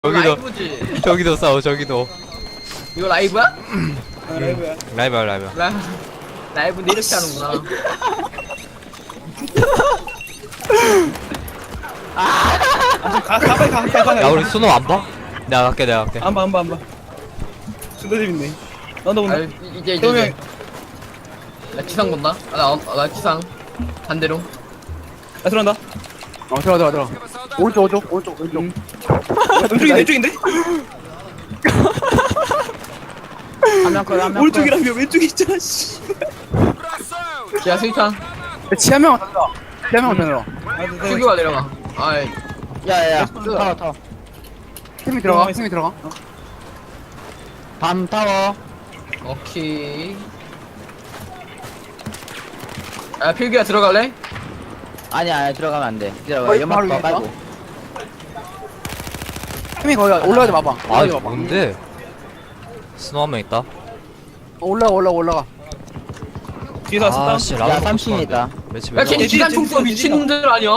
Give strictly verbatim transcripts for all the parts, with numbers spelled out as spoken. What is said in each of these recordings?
저기도 라이브지. 저기도 싸워 저기도. 이거 라이브야? 아, 라이브야. 라이브야 라이브야. 라, 라이브인데 이렇게 하는구나. 아, 가, 가, 빨리 가, 가, 가. 야 우리 수노 안 봐? 내가 갈게 내가 갈게. 안 봐, 안 봐, 안 봐. 존나 재밌네. 나도 아, 본다. 이- 이제 이제 그러면 이제. 나 기상 본다. 아, 나, 어, 나 기상. 반대로. 나 들어간다. 어 들어가 들어가 들어가 오른쪽 오른쪽 오른쪽 왼쪽 음. 왼쪽인데, 왼쪽인데? 한명 컷 한명 오른쪽이라며 왼쪽에 있잖아, 씨. 지하 스위탄. 치아 명은 더 들어가 치아 명은 더 들어가 아, 네, 네. 수규가 내려가. 아이. 야야야 타워 타워 팀이 들어가 팀이 들어가 밤 타워 오케이. 아, 필기야 들어갈래? 아니야, 아니, 들어가면 안 돼. 기다려봐. 거의 연막 바로 봐, 위에 빨고. 팀이 거기 올라가지 마봐 아 올라가지 이거 마봐 뭔데? 스노 한 명 있다. 어, 올라가 올라가 올라가 뒤에서 왔었다. 아씨 야, 라운드 삼 층에 있다. 매치 야, 매치. 걔 기관 총쏘 미친놈들 아니야.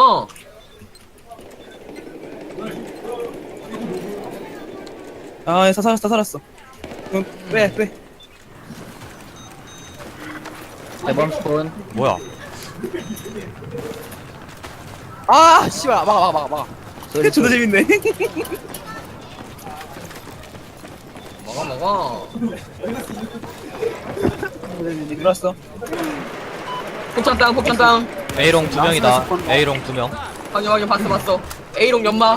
아, 사, 살았어, 살았어. 응, 빼, 빼. 대범 스폰. 뭐야? 아 씨발 막아 막아 막아 막아 소리 존나 소리. 재밌네. 먹어, 먹어. 들어왔어. 폭탄 땅, 폭탄 땅. A롱 두 명이다. 나스나 A롱 두 명. 확인, 확인, 봤어, 봤어. A롱 연마.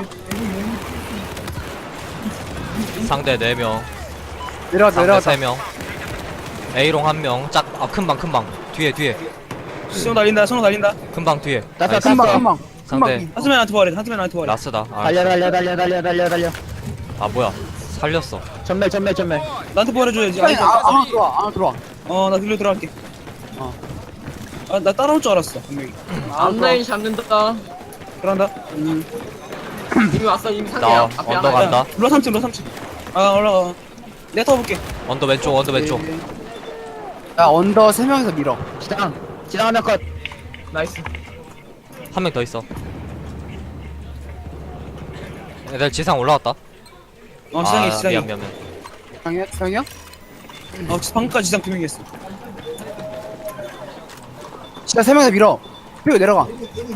상대 네 명. 내려갔다 상대 내려갔다 세 명. A롱 한 명. 짝. 아 큰 방 큰 방. 뒤에 뒤에. 손 날린다, 손 날린다. 큰 방 뒤에. 땄어, 나이스. 금방 땄어. 금방 상대 금방 한수맨한테 부활해, 한수맨한테 부활해. 라스다. 아, 달려, 달려, 달려, 달려, 달려, 달려. 아 뭐야? 살렸어. 전멸, 전멸, 전멸. 나한테 부활해줘야지. 아니 아니, 아 아무 들어와 아무 들어와 어, 나 들려 들어갈게. 어. 아, 나 따라올 줄 알았어, 분명히. 앞라인 잡는다. 들어간다. 음 이미 왔어, 이미 상대야. 나 앞에 언더 하나야. 간다. 로 삼 층, 로 삼 층. 아, 올라가. 내가 타볼게. 언더 왼쪽 언더 왼쪽. 야 언더 세 명이서 밀어 지당. 지당 하면 컷. 나이스. 한 명 더 있어. 애들 지상 올라왔다. 어, 지상에, 아, 지상에. 미안 미안 미안. 상이야 상이야 어, 방금까지 지상 두 명이었어. 진짜 세 명이서 밀어 그리고 내려가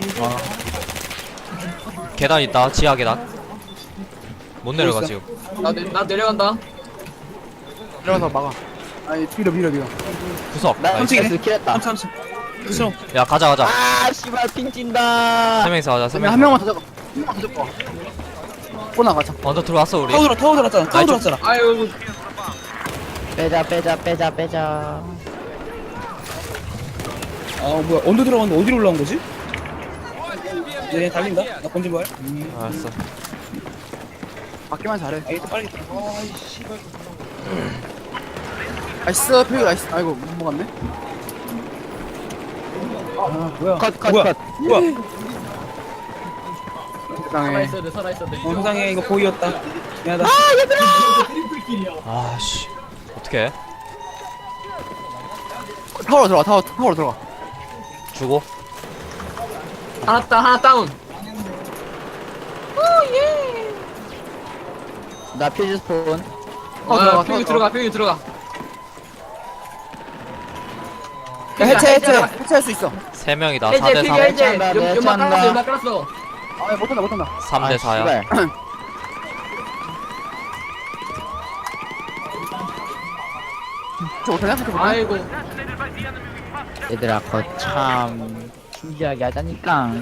계단 있다. 지하 계단. 못 내려가 있어? 지금. 나, 내, 나 내려간다. 내려가서 막아 아니 밀어 밀어 밀어 구석. 나 나이스. 삼층이네. 삼층에 킬했다. 삼 층, 삼 층. 싫어. 야 가자 가자. 아, 씨발, 핑 찐다. 세 명이서 가자. 세 그러면 명이서. 한 명만 더 잡아 한 명만 더 잡아 꼬나 가자 언더 들어왔어 우리. 타워 들어, 타워 들어왔잖아. 타워 아니, 좀- 들어왔잖아. 아유, 빼자, 빼자, 빼자, 빼자. 아, 뭐야. 언제 들어갔는데 어디로 올라온 거지? 얘 달린다. 나 본진 부활. 알았어. 맞기만 잘해 아, 이거 빨리. 나이스 필 나이스 아이고 못 먹었네 아, 뭐야. 컷, 컷, 뭐야. 컷. 뭐야. 세상에 살아있어야 돼, 살아있어야 돼. 어, 세상에 이거 보이였다. 미안하다. 아씨. 어떻게? 타워로 들어가 타워 타워로 들어가 주고. 하나 다운, 하나 다운. 나 퓨즈 스폰. 어, 어, 들어가, 필기 들어가. 들어가, 필기 들어가. 야 해체 해체 해체할 수 있어 세 명이다. 사 해제, 대 필기 삼. 해제. 해체한다, 연- 연막 해체한다. 깔았어, 연막 깔았어. 아 못한다 못한다 삼 대 사야. 씨발. 저 못하냐? 저 못하냐? 아이고. 얘들아, 거참 신기하게 하자니까.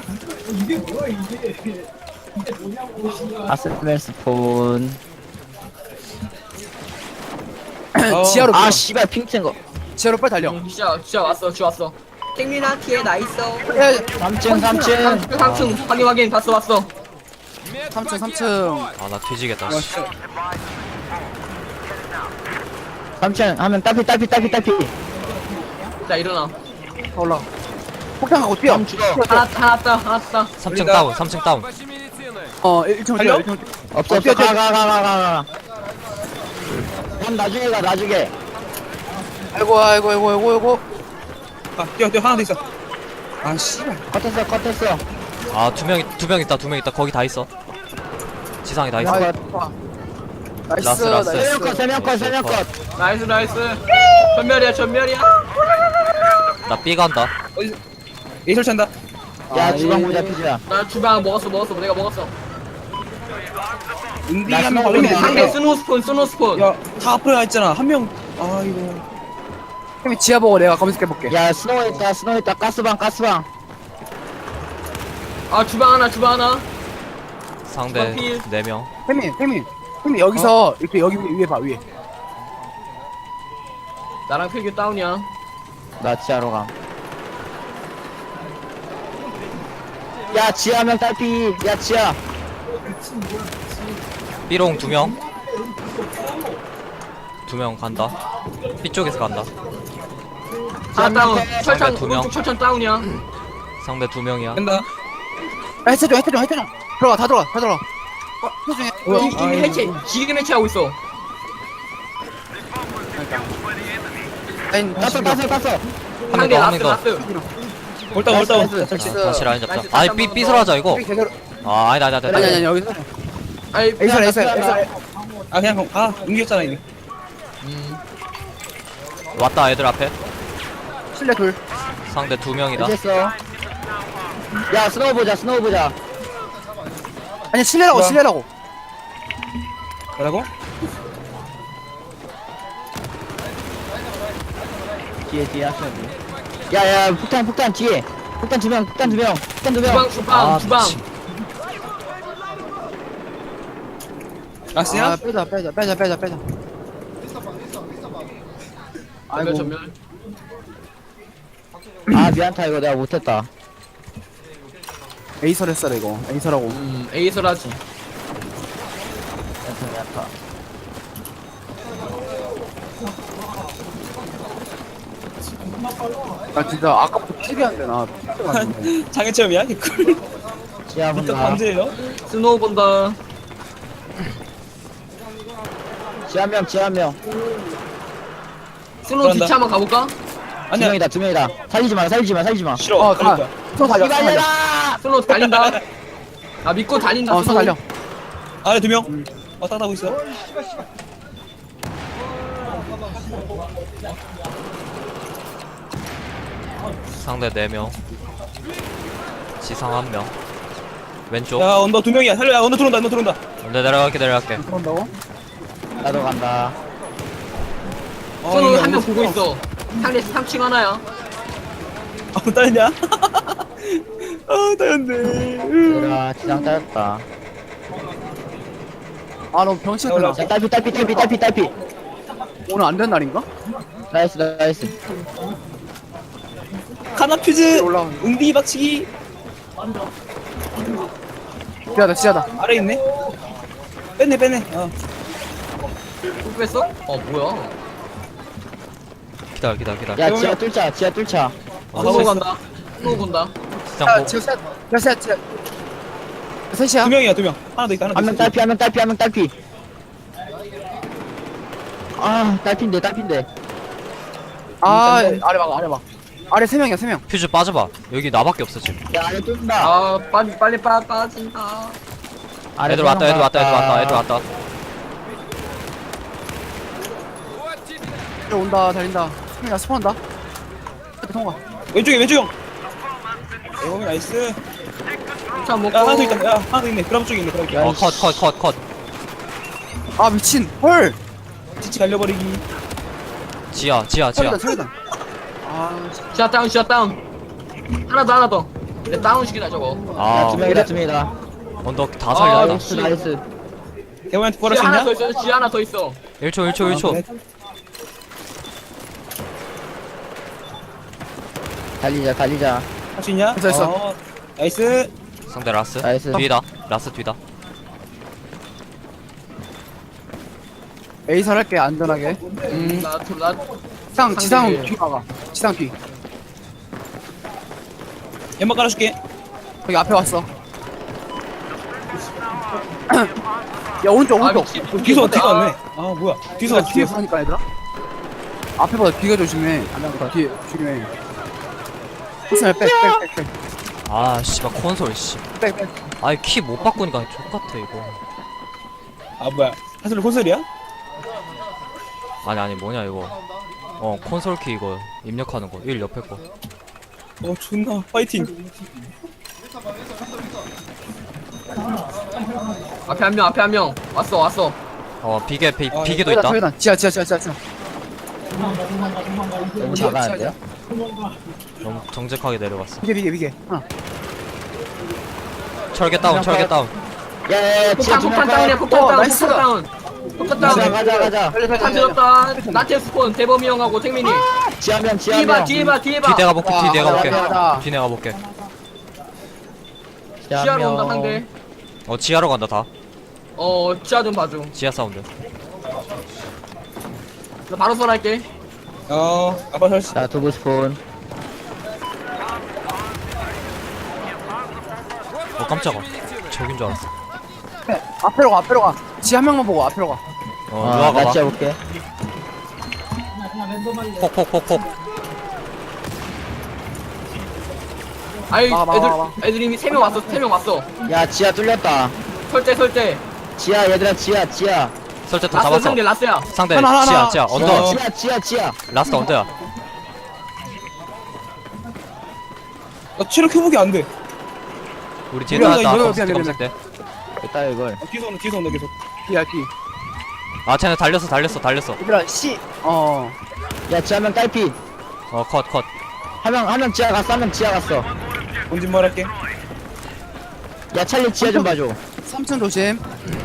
아스멜 스폰. 지하로 아, 밀어. 씨발, 핑 찐 거. 지하로 빨리 달려 진짜, 진짜 왔어, 지 왔어. 탱민아 뒤에 나 있어. 야 삼 층, 삼 층. 삼 층 확인, 확인. 봤어, 봤어. 삼 층 삼 층 아 나 뒤지겠다. 와, 씨. 진짜. 삼 층 하면 딸피, 딸피, 딸피, 딸피. 자, 일어나. 더 올라가 폭탄 갖고 뛰어 다음 죽어. 뛰어, 뛰어. 하나, 하나 따, 하나 따. 삼 층 우리가- 다운. 삼 층 다운. 어 일 층 달려? 뛰어 일 층 없어, 어, 없어. 뛰어, 뛰어. 가, 가, 가, 가, 가, 가. 형 나중에 가, 나중에. 아이고 아이고 아이고 아이고 아이고 아, 뛰어, 뛰어. 하나 더 있어. 아, 씨발. 컷했어, 컷했어. 아 두 명 두 명 있다. 두 명 있다. 거기 다 있어. 지상 지상이 다 있어. 컷. 나이스 라스, 라스. 나이스. 세명 컷, 세명 컷, 세명 컷. 나이스 나이스. 전멸이야 전멸이야. 나 B 간다. 어디 A 설치한다. 야, 아, 주방 예. 모자 피자. 나 주방 먹었어 먹었어 내가 먹었어. 은비 나 한명 스노우 걸렸네. 올리네. 상대 스노우 스폰 스노우 스폰. 야다 앞으로 가 있잖아. 한 명. 아 이거. 템이 지하 보고 내가 검색해볼게. 야, 스노우 있다, 스노우 있다. 가스방, 가스방. 아 주방 하나 주방 하나. 상대 커피. 네 명. 템이 템이 템이 여기서 이렇게 여기 위에 봐 위에. 나랑 필규 다운이야. 나 지하로 감. 야, 지하 명 딸피. 야, 지하. B롱 두 명. 두 명 간다. B 쪽에서 간다. 하나 다운. 상대 철창 두 명. 오른쪽 철창 다운이야. 상대 두 명이야. 간다. 야, 해체 좀 해체 좀 해체 좀. 들어가 다 들어가 다 들어가. 어, 해체 좀 해. 이- 이미 해체 지금 해체하고 있어. 라인 땄어, 땄어, 땄어. 한 상대 명 더, 한 라스 명 더. 라스. 올다 나이스, 올다. 나이스. 설치. 아, 다시 라인 잡자. 나이스, 아니 다시 B 한번 B 더. 설하자 이거. 제대로. 아 아니다 아니다 아니 아니 아니다. 아니 여기서. 아니 에이설 에이설 에이설. 아 그냥 아 옮겼잖아 이미. 왔다 애들 앞에. 실내 둘. 상대 두 명이다. 됐어. 야, 스노우 보자, 스노우 보자. 아니 실내라고 뭐야? 실내라고. 뭐라고? 뒤에, 뒤에 하셔야 돼. 야, 야, 폭탄, 폭탄, 뒤에. 폭탄 두 명, 폭탄 두 명, 폭탄 두 명. 주방 주방 아 주방. 미친. 라스야? 아 빼자 빼자 빼자 빼자 빼자. 전멸 아이고. 전멸. 아, 미안타, 이거 내가 못했다. 에이설 했어 이거. 에이설하고. 음 에이설하지. 미안타, 미안타. 나 진짜 아까부터 피비한데 나. 장애 체험이야? 개꿀. 지하 진짜 본다. 범죄예요? 스노우 본다. 지하 명, 지하 명. 스노우 그런다. 뒤차 한번 가볼까? 두 아니야. 명이다, 두 명이다. 살리지 마, 살리지 마, 살리지 마. 싫어. 어 달릴 가. 거야. 또 달려. 또 달려. 기다려라! 스노우 달린다. 아 믿고 달린다. 어, 또 스노우. 달려. 아래 두 명. 왔다 갔다 하고 있어. 상대 네 명. 지상 한 명. 왼쪽. 야 언더 두 명이야. 살려. 야 언더 들어온다. 언더 들어온다. 내 내려갈게 내려갈게. 그런다고? 나도 간다. 아, 스노우 이거 한 명 언더 보고 들어와. 있어. 상대 삼 층 하나야. 아 따였냐? 아 따였네. 얘들아, 지상 따였다. 아너 병실 올라와. 끝나. 야, 딸피, 딸피, 딸피, 딸피, 딸피. 오늘 안 된 날인가? 나이스, 나이스. 카나퓨즈. 올라오네. 은비 박치기. 지하다 지하다. 아래 있네. 뺐네 뺐네. 어. 또 뺐어? 어 뭐야? 기다려 기다려 기다려. 야, 지하 뚫자, 지하 뚫자. 아, 스노우 가고 있어. 간다. 스노우 본다. 지상 야 보. 지금 셋. 야 셋. 셋. 셋이야. 두 명이야 두 명. 하나 더 있다. 하나 더 한 명 있어. 딸피, 한 명 딸피, 한 명 딸피. 아, 딸피인데, 딸피인데. 아 아래 막 아래 막. 아래 세 명이야 세 명. 퓨즈 빠져봐. 여기 나밖에 없어 지금. 야, 안에 뚫는다. 아 빨리 빨리 빠 빠진다. 안에 애들 왔다 뚫는 애들 왔다 애들 거야. 왔다 애들 왔다. 온다 달린다. 야 스폰한다. 통과. 왼쪽에 왼쪽 형. 에어미 나이스. 차 먹고. 야 하나 더 있다. 야 하나 더 있네. 브라보 쪽에 있네. 브라보. 야, 어 컷 컷 컷 컷. 아 미친. 헐. 지치 갈려버리기. 지하 지하 지하. 철이다 철이다. 아 씨. 샷 다운 샷 다운. 하나 더 하나 더. 내 다운 시키다 저거. 야, 아 두 명이다, 두 명이다. 언덕 다 아, 살렸다. 나이스, 나이스. 대원한테 구할 지 수 하나 있냐? 더 있어. 지 하나 더 있어. 일 초 일 초 일 초. 아, 달리자, 달리자. 할 수 있냐? 됐어, 됐어. 어, 나이스. 상대 라스. 나이스. 뒤다. 라스 뒤다. 에이설 할게 안전하게. 음. 나나 지상 지상 상대. 뒤 막아. 지상 뒤. 연막 깔아줄게. 여기 앞에 왔어. 야 오른쪽 아 오른쪽. 미친. 뒤서 어때? 뒤가 아, 왔네. 아 뭐야? 뒤서 뒤에서 왔어. 뒤에 보니까 얘들아. 앞에보다 뒤가 조심해. 뒤에 조심해. 코스를 백백백 백. 아 씨발 콘솔 씨. 백 백. 아이 키 못 바꾸니까 족같아 이거. 아 뭐야 사슬 콘솔이야? 아니 아니 뭐냐 이거. 어 콘솔 키 이거 입력하는 거. 일 옆에 거. 어 존나 파이팅. 앞에 한 명, 앞에 한 명. 왔어, 왔어. 어 비계 비, 아, 비계도 저기다 있다. 저기다 지하 지하 지하 지하 지하. 너무 작아는데요? 너무 정직하게 내려갔어. 비계 비계 비계. 하나. 철개 다운 철개 다운. 야야야 지하 폭탄, 폭탄 두명 다운이야, 컷. 폭탄 어, 다운, 나이스. 폭탄 다운. 폭탄 가자 다운. 가자 가자. 빨리 빨리 다 빨리. 들었다. 나체 스폰, 대범이 형하고 택민이. 지하명 뒤에 봐, 지하명. 뒤에 봐, 뒤에 봐. 뒤 내가 볼게. 뒤 내가 아, 볼게. 가자, 가자. 뒤 내가 볼게. 지하로 온다, 상대. 어 지하로 간다 다. 어, 지하 좀 봐줘. 지하 사운드. 나 바로 선할게. 어 아빠 설치. 자 두부 스폰. 어 깜짝아. 저긴 줄 알았어. 네, 앞으로 가 앞으로 가. 지하 한 명만 보고 앞으로 가. 어 아, 누가 나 가봐. 지하 볼게. 폭폭폭폭. 아이, 막아, 막아, 애들, 막아. 애들 이미 세 명 왔어, 세 명 왔어. 야 지하 뚫렸다. 설대, 설대. 지하 얘들아 지하 지하. 설때 다 라스 잡았어. 상대, 라스야. 상대 하나, 하나, 지하 하나. 지하 어. 언더. 지하 지하 지하. 라스트 언더야. 나 체력 회복이 안 돼. 우리 뒤에 미안, 나왔다. 이거 검색 미안, 검색 때. 됐다 이걸. 어, 뒤에서 온다 뒤에서 온다 계속. 비야 비. 아 쟤네 달렸어 달렸어 달렸어. 얘들아 씨. 어. 야 지하명 딸피. 어 컷 컷. 한 명 한 명 지하 갔어 한 명 지하 갔어. 본진 말할게. 야 찰리 지하 좀 봐줘. 삼 층 조심.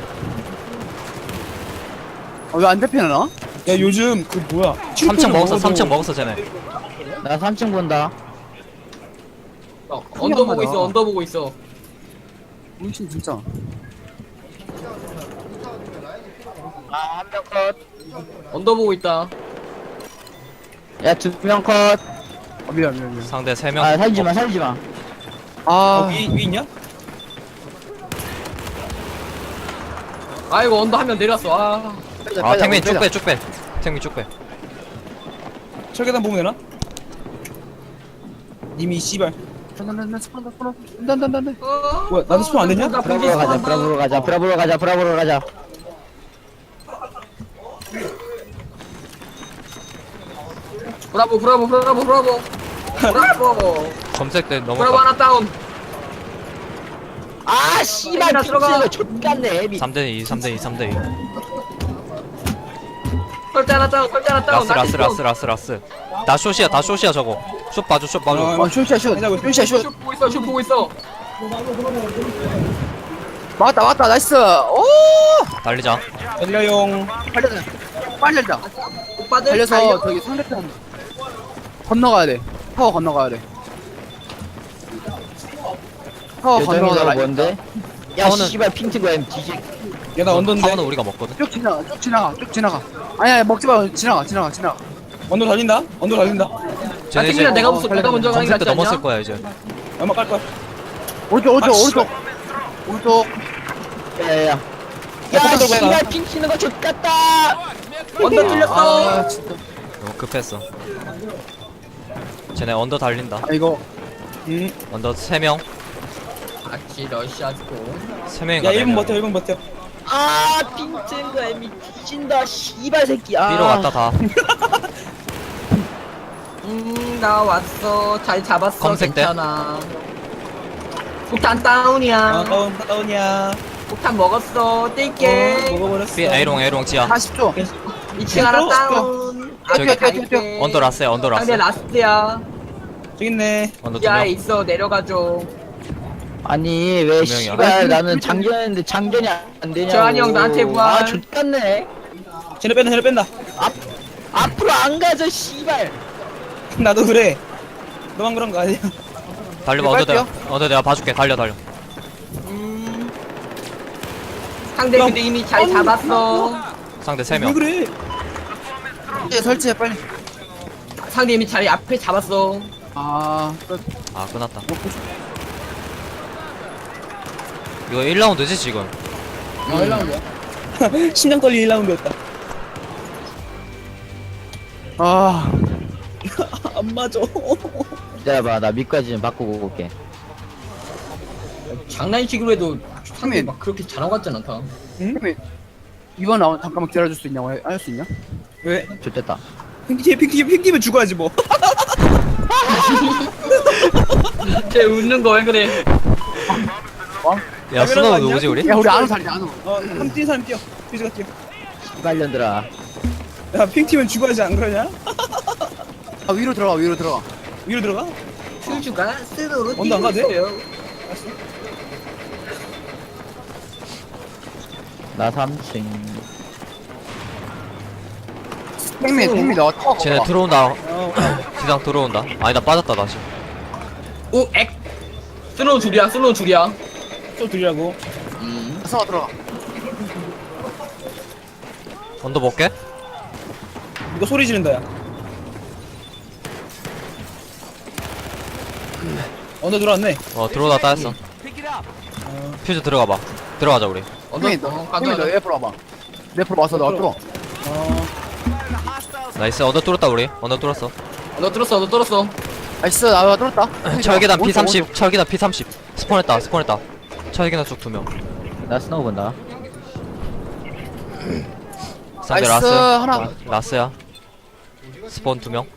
어, 왜 안 대피나 나? 야 요즘 그 뭐야? 삼 층 먹었어 먹어도- 삼 층 먹었어 쟤네. 나 삼 층 본다. 어, 언더 보고 있어, 언더 보고 있어. 물씬 진짜. 아 한 명 컷. 언더 보고 있다. 야 두 명 컷. 어, 미안 미안 미안. 상대 세 명. 아 살리지 마 살리지 마. 어, 아. 위, 위 있냐? 아이고, 언더 한 명 내렸어. 아. 아 탱민 쭉 빼 쭉 빼. 탱민 쭉 빼. 철계단 보면 되나? 님이 씨발. 난난난 스폰 스폰. 난난난난. 뭐야 나도 스폰 안 되냐? 나 브라보로 분기 가자 스폰 브라보로 가자 브라보로 가자 브라보로 가자. 브라보, 브라보, 브라보, 브라보. 브라보. 검색 때 브라보 넘어가. 하나 다운. 아 씨발 애기나 들어가. 픽스가 족같네 애비. 삼 대 이 삼 대 이 삼 대 이. 설대 하나 다운, 설대 하나 다운. 라스 라스 라스 라스 라스. 다 숏이야 다 숏이야 저거. 숏 봐줘 숏 봐줘. 어, 어 쇼시야 쇼. 해자고 있어. 쇼시야 쇼. 슛 보고 있어, 슛 보고 있어. 맞다 맞다 나이스. 오. 달리자. 달려용. 빨리 빨리 달자. 오빠들 달려서 달려. 저기 상대편 건너가야 돼. 타워 건너가야 돼. 타워 요정이가 건너가라. 뭔데? 야 타워는- 씨발 핑트가 M 뒤지. 야나 언더인데. 타워는 우리가 먹거든. 쭉 지나가 쭉 지나가 쭉 지나가. 아니야 먹지 마 지나가 지나가 지나가. 언더 달린다. 언더 달린다. 쟤네 이제 팀이랑 내가 없어, 내가 먼저 가는 게 검색 때 낫지 넘었을 않냐? 거야 이제. 얼마 깔 거야? 오른쪽 오른쪽 아, 오른쪽 오른쪽. 야야야. 야, 야 뽀뽀 뽀뽀 씨발 핑 치는 거 족같다. 언더 뚫렸어. 아 진짜. 너무 급했어. 쟤네 언더 달린다. 아 이거 음. 언더 세 명. 아치 러시아스코. 세 명인가 야 네 일 분 명. 버텨 일 분 버텨. 아 핑트가 M 뒤진다 씨발 새끼. 아. B로 갔다 다. 음, 나 왔어. 잘 잡았어. 검색대. 괜찮아. 폭탄 다운이야. 아 다운 다운이야. 폭탄 먹었어. 어, 뛸게. 먹어버렸어. B A롱 A롱 지하. 사십 초. 이 층 하나 어? 다운. 저기- 앞에 갈게. 언더 라스야 언더 라스. 상대 라스트야. 저기 있네. 언더 두 지하에 명. 있어. 내려가줘. 아니 왜 분명히 씨발 나는 장전했는데 장전이 안 되냐고. 저한이 형 나한테 구할. 아 족같네. 쟤네 뺀다 쟤네 뺀다. 앞으로 안 가져 씨발. 나도 그래. 너만 그런 거 아니야? 달려봐 이거 언더 내가 빨게요. 언더 내가 봐줄게. 달려 달려. 음. 상대 근데 이미 잘 잡았어. 상대 세 왜 명. 그래? 이제 설치해 빨리. 상대 이미 자리 앞에 잡았어. 아 끝. 아 끝났다. 먹고 싶- 이거 일 라운드지 지금. 어, 일 라운드야. 심장 떨리 일 라운드였다. 아 안 맞아. 기다려봐 나 밑까지 좀 바꾸고 올게. 장난식으로 해도 상대 형님. 막 그렇게 잘하고 같진 않다. 형님 이번 라운드 잠깐만 기다려줄 수 있냐고 할 수 있냐? 왜? 좋됐다. 핑키 핑키 핑키면 죽어야지 뭐. 쟤 웃는 거 왜 그래? 야 스노우 누구지 우리? 야 우리 안우 살자 안우. 어한 뛰는 사람 뛰어. 퓨즈가 뛰어. 씨발년들아. 야 핑키면 죽어야지 안 그러냐? 아 위로 들어가 위로 들어가. 위로 들어가? 슈슈가 스스로 언더 안 가도 돼? 있어요. 알았어. 나 삼 층. 탱미 탱미 너 타워. 쟤네 들어온다. 어. 지상 들어온다. 아니 나 빠졌다 다시. 오 액. 스노우 줄이야 스노우 줄이야. 또 들이라고. 음. 서 들어가. 언더 볼게. 이거 소리 지른다 야. 언더 들어왔네. 어 들어오다 따였어. 퓨즈 들어가봐. 들어가자 우리. 언더 탱미 어, 너 탱미 너 가자. 옆으로 와봐. 내 옆으로 와서 너 뚫어. 어. 나이스 언더 뚫었다 우리. 언더 뚫었어. 언더 뚫었어 언더 뚫었어. 나이스 나와 뚫었다. 철계단 오른쪽, 피 삼십. 철계단 피 삼십. 스폰했다 스폰했다. 철계단 쪽 두 명. 나 스노우 본다. 상대 나이스, 라스. 하나. 어, 라스야. 스폰 두 명.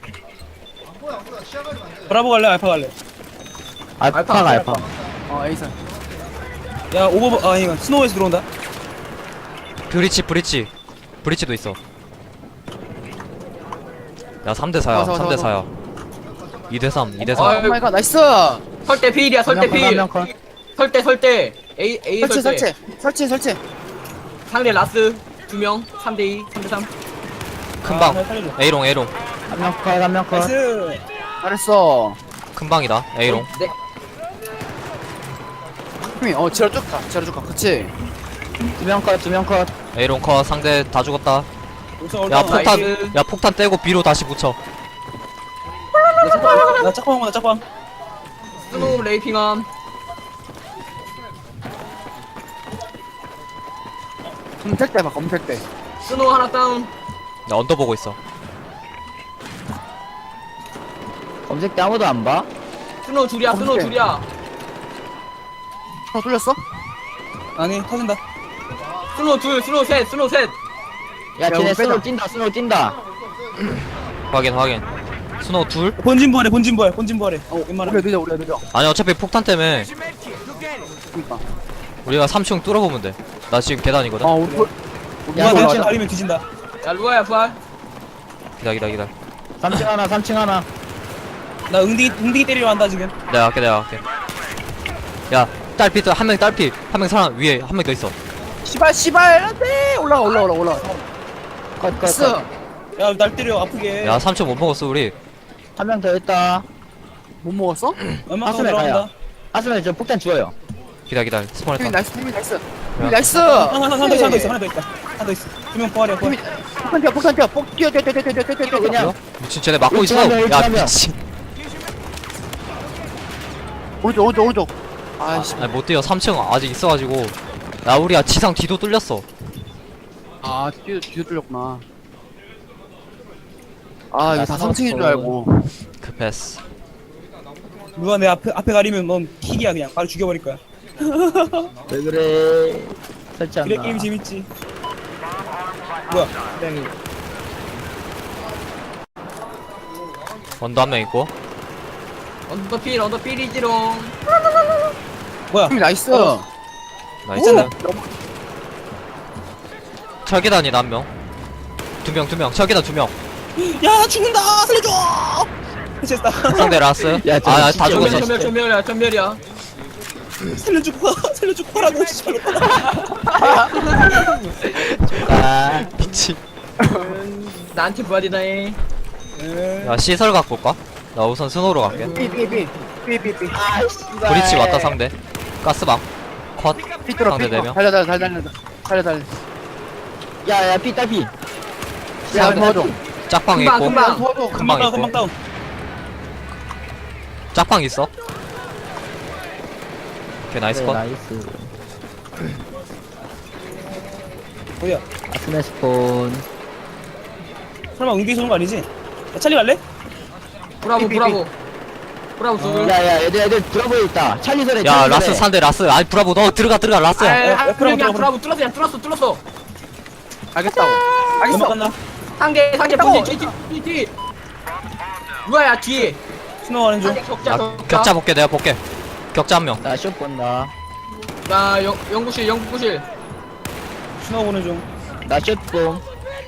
브라보 갈래? 알파 갈래? 알파가 알파. 어 에이선. 야 오버 아 이거 스노우에서 들어온다. 브리치 브리치. 브리치도 있어. 야 삼 대 사야. 와서, 와서, 삼 대 와서. 사야. 이 대 삼. 이 대 사. 아유. 오 마이 갓 나이스. 설대 필이야 설대 필. 한명 컷. 설대 설대. A A 설치 설대. 설치 설치 설치. 상대 라스 두 명. 삼 대 이. 삼 대 삼. 큰 아, 방. 나 살려줘. A롱 A롱. 한명 컷, 한명 컷. 나이스. 잘했어. 큰 방이다. A롱. 네. 탱미 어 지랄 쭉가 지랄 쭉가 그치. 두명 컷, 두 명 컷. A롱 컷. 상대 다 죽었다. 우선 야 올라와. 폭탄. 나이스. 야 폭탄 떼고 B로 다시 붙여. 나 짝방 나 짝방 온다 짝방. 스노우 레이핑함. 검색 때봐 검색 때. 스노우 하나 다운. 나 언더 보고 있어. 검색 때 아무도 안 봐? 스노우 줄이야 스노우 검색. 줄이야. 어 뚫렸어? 아니 터진다. 스노우 둘 스노우 셋 스노우 셋. 야, 우리 쟤네 빼자. 스노우 뛴다, 스노우 뛴다. 확인 확인. 스노우 둘? 본진 부활해 본진 부활 본진 부활해. 어 웬만하. 우리가 느려 우리가 느려. 아니 어차피 폭탄 때문에 그니까. 우리가 삼 층 뚫어보면 돼. 나 지금 계단이거든. 어 우리 볼- 우리 누가 야, 내 올라가자. 층 가리면 뒤진다. 야 루아야 부활. 기다 기다 기다. 삼 층 하나, 삼 층 하나. 나 응디기 응디기 때리러 간다 지금. 내가 할게 내가 할게. 야 딸피 한 명 딸피 한 명 사람 위에 한 명 더 있어. 씨발 씨발 안돼 올라가 올라가 올라가 올라가. 컷, 컷, 나이스. 컷. 야 날 때려 아프게. 야 삼 층 못 먹었어 우리. 한 명 더 있다. 못 먹었어? 웬만하면 하스멜 가야. 들어간다. 하스멜 저 폭탄 주워요. 기다 기다 탱미 스폰했다. 나이스 탱미 나이스. 탱미 나이스. 하나 하나 하나 더 있어 하나 더 있어 하나 더 있다. 하나 더 있어. 두 명 부활해 부활. 탱미 폭탄 뛰어 폭탄 뛰어 폭 뛰어 뛰어 뛰어 뛰어 뛰어 뛰어 뛰어 그냥. 뛰어. 미친 쟤네 막고 있어. 일층 한 명, 일층 야 한 명. 미친. 오른쪽 오른쪽 오른쪽. 아이씨. 아니 못 뛰어. 삼 층 아직 있어가지고. 야 우리야 지상 뒤도 뚫렸어. 아 뒤에 뒤에 뚫렸구나. 아 이거 나 다 삼 층인 줄 알고. 그 패스. 누가 내 앞에 앞에 가리면 넌 킥이야 그냥 바로 죽여버릴 거야. 왜 그래? 설치한다. 그래 게임 재밌지. 뭐야? 언더 한 명 있고. 언더 필 언더 필이지롱. 뭐야? 탱미 나이스. 나이스. 오! 철계단이다 한 명. 두 명 두 명. 철계단 두 명. 야 나 죽는다 살려줘. 됐다. 상대 라스. 야, 저 아다 진짜 죽었어. 전멸 전멸 전멸이야 전멸이야. 살려주고 살려주고 가라고 씨발. 아, 미친. 나한테 부활이다해. 야 시설 갖고 올까? 나 우선 스노우로 갈게. 삐삐삐삐삐삐삐. 아, 씨발. 브리치 왔다 상대. 가스방. 컷. 삐뚤어 상대 네 삐뚤어. 명. 달려 달려 달려 달려 달려 달려. 야, 야, 피, 딸피. 야 도와줘. 짝방 금방, 있고. 금방. 도와줘. 금방 금방 다운 있고. 금방 다운. 짝방 있어. 오케이 나이스 네, 컷. 나이스. 어디야? 아스메 스폰. 설마 응디 쏘는 거 아니지? 야, 찰리 갈래? 브라보 브라보. 브라보 둘. 야, 야, 애들, 애들 들어보여 있다. 찰리 소리, 야 찰리 라스 소리. 산대 라스. 아니 브라보 너 들어가 들어가 라스야. 아, 야, 한 브라보, 명이야 브라보. 브라보 뚫었어 그냥 뚫었어 뚫었어. 알겠다고. 알겠어. 넘어갔나? 상대 상대 했다고. 본진 뒤 뒤 뒤. 누가야 뒤에. 스노우하는 중. 상대 격자 나 격자. 격자 볼게 내가 볼게. 격자 한 명. 나쇼 본다. 나 영, 연구실 연구실. 스노우 보는 중. 나쇼 봄.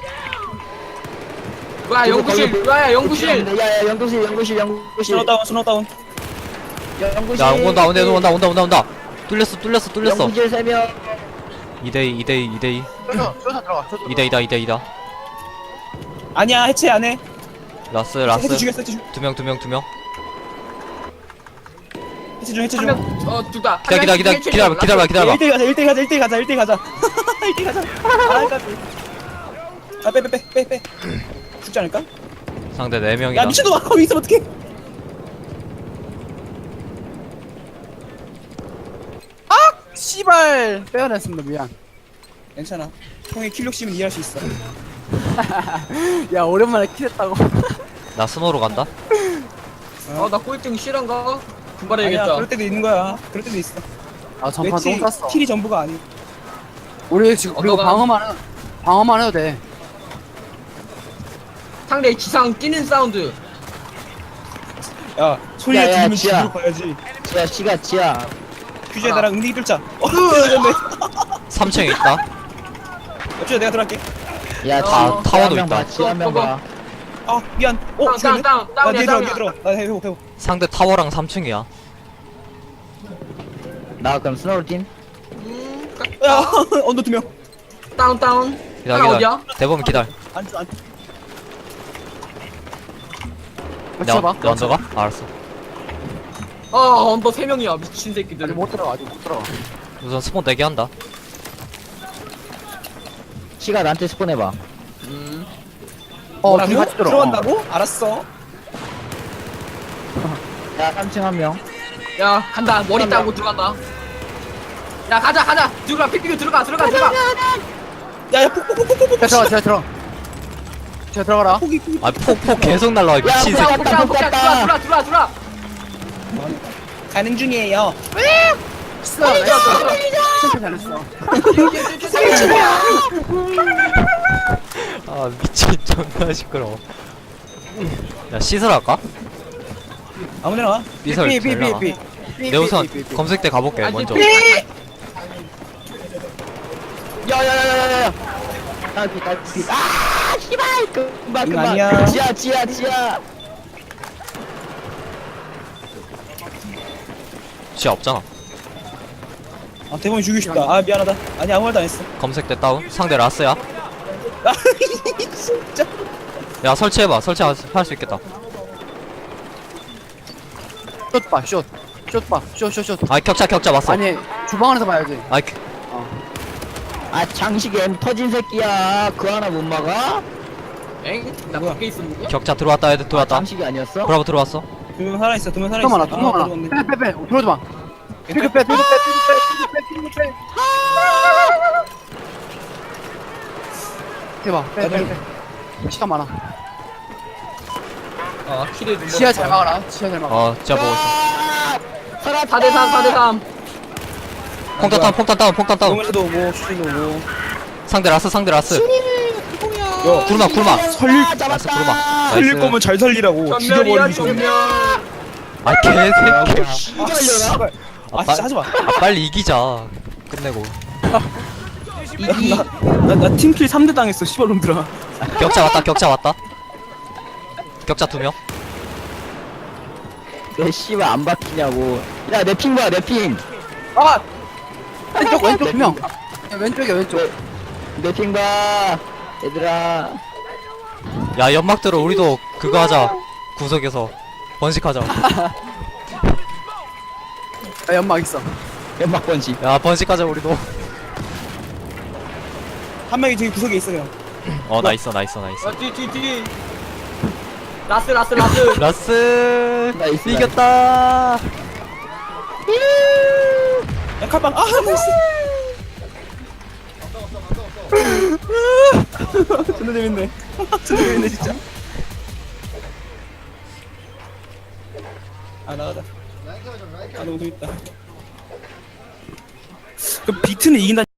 누가 연구실 누가야 연구실. 야야 연구실 연구실 연구실. 스노우 다운, 스노우 다운. 연구실. 야 온다 온다 온다 온다 온다 온다. 뚫렸어 뚫렸어 뚫렸어. 연구실 세 명. 이 대 이 이 대 이 이 대 이. 쇼서 쇼서 들어가. 쇼서. 이 대 이다 이 대 이다. 아니야, 해체 안 해. 라스 해체 라스. 죽였어, 해체 죽. 두 명 두 명 두 명. 해체 중, 해체 중. 한명어 둘다. 기다려 기다려 기다려 기다려 기다려 기다려. 일 대 가자, 일 대 가자, 일 대 가자, 일 대 가자. 일 대 가자. 아, 까비. 아, 빼, 빼, 빼, 빼, 빼. 죽지 않을까? 상대 네 명이다. 야, 미친놈아, 거기 있으면 어떡해. 씨발 빼어냈습니다. 미안. 괜찮아. 형의 킬 욕심은 이해할 수 있어. 야 오랜만에 킬했다고. 나 스노우로 간다. 어나 꼴등 실한가? 아니야, 분발해야겠다. 그럴 때도 있는 거야. 그럴 때도 있어. 아 전판 왜 똥 킬, 쌌어. 킬이 전부가 아니. 우리 지금 그리고 어떠가? 방어만 해. 방어만 해도 돼. 상대 지상 뛰는 사운드. 야, 소리가 야, 야, 들리면 지야. 집으로 가야지. 지야 씨가 지야. 규제에 나랑 응대기 뚫자. 어, 그러네. 삼 층에 있다. 옆주야, 내가 들어갈게. 야 타- 지- 타워도 지하 한 명 있다. 봐, 지하 한 명 봐. 아, 미안. 어, 다운 죽였네? 다운 다운 나 뒤에 다운이야 들어, 다운이야. 뒤에 들어. 나 회복, 회복. 상대 타워랑 삼 층이야. 나 그럼 스노우 팀. 음, 야, 언더 두 명. 다운 다운. 기다려 하나 기다려. 어디야? 대범 기다려. 안, 안. 내가 맞춰봐. 내 언더가? 알았어. 어 언더 세 명이야 미친 새끼들. 아직 못 들어가. 아직 못 들어가. 우선 스폰 네 개 한다. 씨가 나한테 스폰 해봐. 음. 어 뭐라고? 둘이 같이 들어. 들어간다고? 알았어. 야 삼 층 한 명. 야 간다 머리 따고 들어간다. 야 가자 가자 들어가 픽픽 들어가 들어가 들어가. 야, 야, 폭폭폭폭폭. 자 들어가. 자 들어. 자 들어가라. 폭이, 폭이. 아 폭폭 계속 날라와 이 미친 야, 새끼. 폭 땄다, 폭 들어와 땄다. 들어와 들어와 들어와. 가는 중이에요. 진짜 진짜 잘했어. 아 미친 존나 시끄러워. 야 시설 할까? 아무데나 와. 비설 삐, 삐, 잘 나가. 삐, 삐. 내 우선 삐, 삐, 삐. 검색대 가볼게 아니, 먼저. 삐. 야야야야야야. 딸피 딸피. 아 씨발 금방 이거 금방. 아니야. 지하 지하 지하. 지 없잖아. 아, 대본이 죽이고 싶다. 아, 미안하다. 아니, 아무 말도 안 했어. 검색대 다운. 상대 라스야. 아, 진짜. 야 설치해봐. 설치할 수 있겠다. 숏 봐. 숏. 숏 봐. 숏, 숏, 숏. 아 격자 격자 왔어. 아니 주방 안에서 봐야지. 아이 그- 아 장식 M 터진 새끼야. 그 하나 못 막아? 엥? 나 밖에 있었는데? 격자 들어왔다 애들 아, 들어왔다. 장식이 아니었어? 브라보 들어왔어. 두 명 살아있어, 두 명 살아있어. 두 많아. 두 아, 많아. 들어왔네. 빼, 빼, 빼. 들어오지 마. 피그 빼, 피그 빼, 피그 빼, 피그 빼, 피그 빼. 해봐. 빼, 빼, 빼. 시간 많아. 아 킬에 눈 지하 잘 막아라. 지하 잘 막아. 어 진짜 보고 있어. 아, 살았다. 사 대 삼 사 대 삼. 폭탄 다운 폭탄 다운 폭탄 다운. 용에서도 오고, 슈즈도 오고. 상대 라스 상대 라스. 야, 구르마 구르마. 살릴, 아, 라스 구르마. 잡았다. 살릴 나이스. 거면 잘 살리라고. 전멸이야 죽여버리기 전에. 전멸. 아 개새끼. 아, 이걸려나? 씨발. 아, 진짜 하지 마. 아 빨리 이기자. 끝내고. 이기. 나, 나 팀킬 삼 대 당했어, 씨발놈들아. 격자 왔다 격자 왔다. 격자 두 명. 왜 씨발 안 바뀌냐고. 야 내 핑 봐, 내 핑. 아! 왼쪽, 왼쪽 두 명. 야, 왼쪽이야, 왼쪽. 내 핑 봐. 얘들아. 야 연막 들어 우리도 그거 하자. 구석에서 번식하자. 야, 연막 있어. 연막 번식. 야 번식하자 우리도. 한 명이 저기 구석에 있어, 형. 어 나 있어 나 있어 나 있어. 뒤 뒤 뒤. 라스 라스 라스. 라스 나이스, 이겼다. 야, 칼빵. 아, 나이스. 존나 재밌네. 존나 재밌네, 진짜. 아, 나가자. 아, 너무 재밌다. 그 비트는 이긴다.